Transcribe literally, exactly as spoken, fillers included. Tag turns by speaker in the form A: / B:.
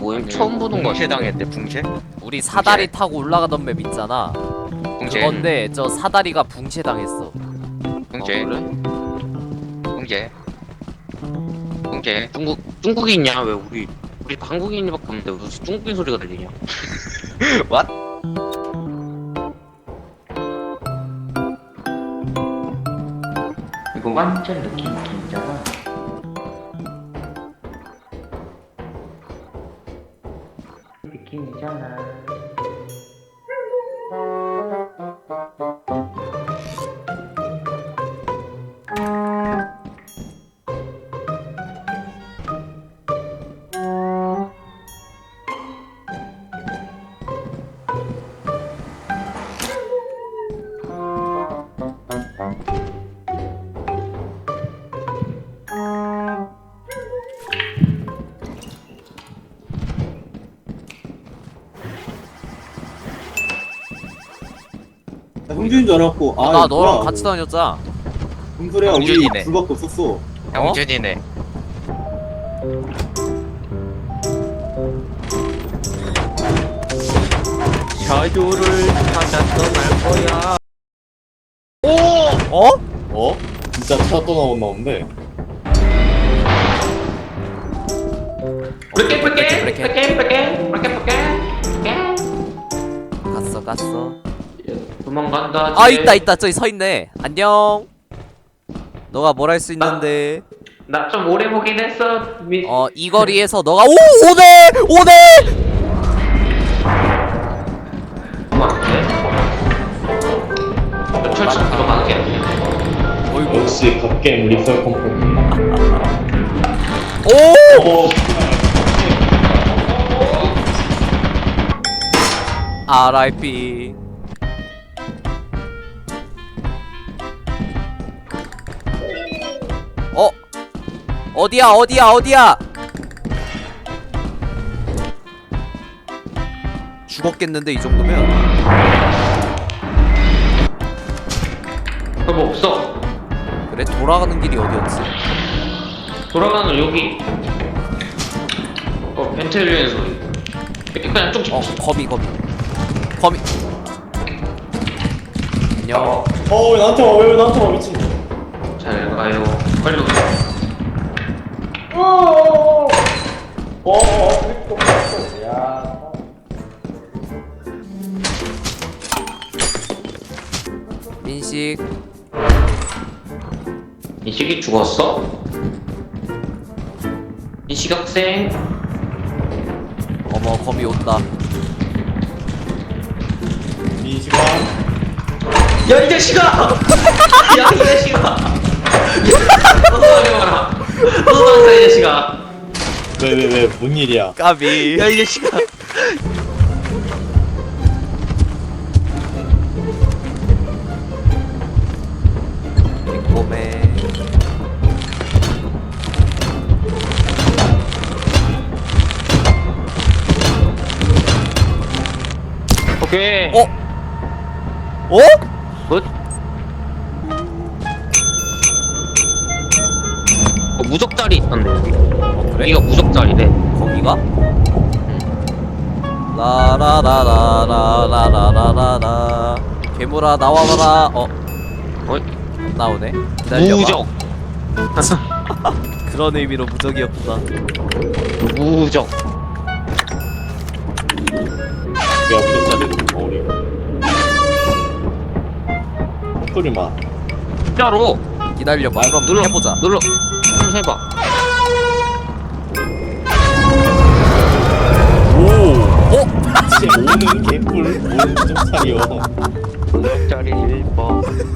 A: 모임 처음 보는 거
B: 붕괴 당했대. 붕괴?
C: 우리 사다리 타고 올라가던 맵 있잖아.
B: 붕괴.
C: 그건데 저 사다리가 붕괴당했어.
B: 붕괴.
A: 어, 그래?
B: 붕괴. 붕괴.
A: 중국 중국인이냐? 왜 우리 우리 한국인이밖에 없는데 무슨 중국인 소리가 들리냐?
B: What?
A: 이거 완전 느낌 있잖아. 느낌이잖아.
D: 형준인 줄 알았고 아
C: 나
D: 이거
C: 너랑
D: 뭐야.
C: 같이 다녔잖아.
D: 뭔 소리야 우리
B: 형준이네.
D: 둘밖에 없었어.
B: 영준이네.
A: 자유를 찾아 떠날 거야.
C: 어?
D: 어? 진짜 차 떠나온나 본데.
A: 브레켓 브레켓
C: 브레켓.
A: 브레켓 브레켓 브레켓 브레켓.
C: 갔어 갔어.
A: 도망간다.
C: 아 있다 있다 저기 서 있네. 안녕. 너가 뭘 할 수 있는데?
A: 나좀 오래 보긴 했어. 미...
C: 어 이 거리에서 너가 오 오네 오네.
A: 철철 들어가는 게 아니야.
C: 어이구.
D: 역시 갓게임 리설 컴퍼니.
C: 오.
D: 오.
C: 알아이피. 어? 어디야 어디야 어디야? 죽었겠는데 이 정도면?
A: 그거 뭐 없어.
C: 그래 돌아가는 길이 어디였지?
A: 돌아가는 여기. 어 벤틀리언 소리. 그냥 쭉.
C: 어 거미 거미 거미. 안녕.
D: 어왜 나한테 와? 왜 나한테 와 미친.
A: 잘 가요. 빨리 오세요.
D: 어. 어. 어. 야.
C: 민식.
A: 이식이 죽었어? 이식 학생.
C: 어머 거미 온다.
D: 이 시간.
A: 야 이 자식아! 야 이 자식아! 너도 당해봐라. 너도 당해봐 이 자식아.
D: 왜왜 왜 뭔 일이야?
C: 까비.
A: 야 이 자식아.
C: 꼬매.
A: 오케이.
C: 어? 어?
A: 굿. 어 무적자리 있던데 여기.
C: 어 그래?
A: 여기가 무적자리래.
C: 거기가? 라라라라라라라라라 괴물아 나와봐라. 어?
A: 어이?
C: 안 나오네. 기다려봐.
A: 무적.
C: 그런 의미로 무적이었구나.
A: 무적.
D: 야 무적자리도 거울이. 소리마.
A: 진짜로.
C: 기다려봐. 그럼
A: 눌러.
C: 해보자.
A: 눌러. 한번 해봐.
C: 오. 어?
D: 진짜 오는 개뿔 오는 무적자리여.
B: 무적자리 일 번.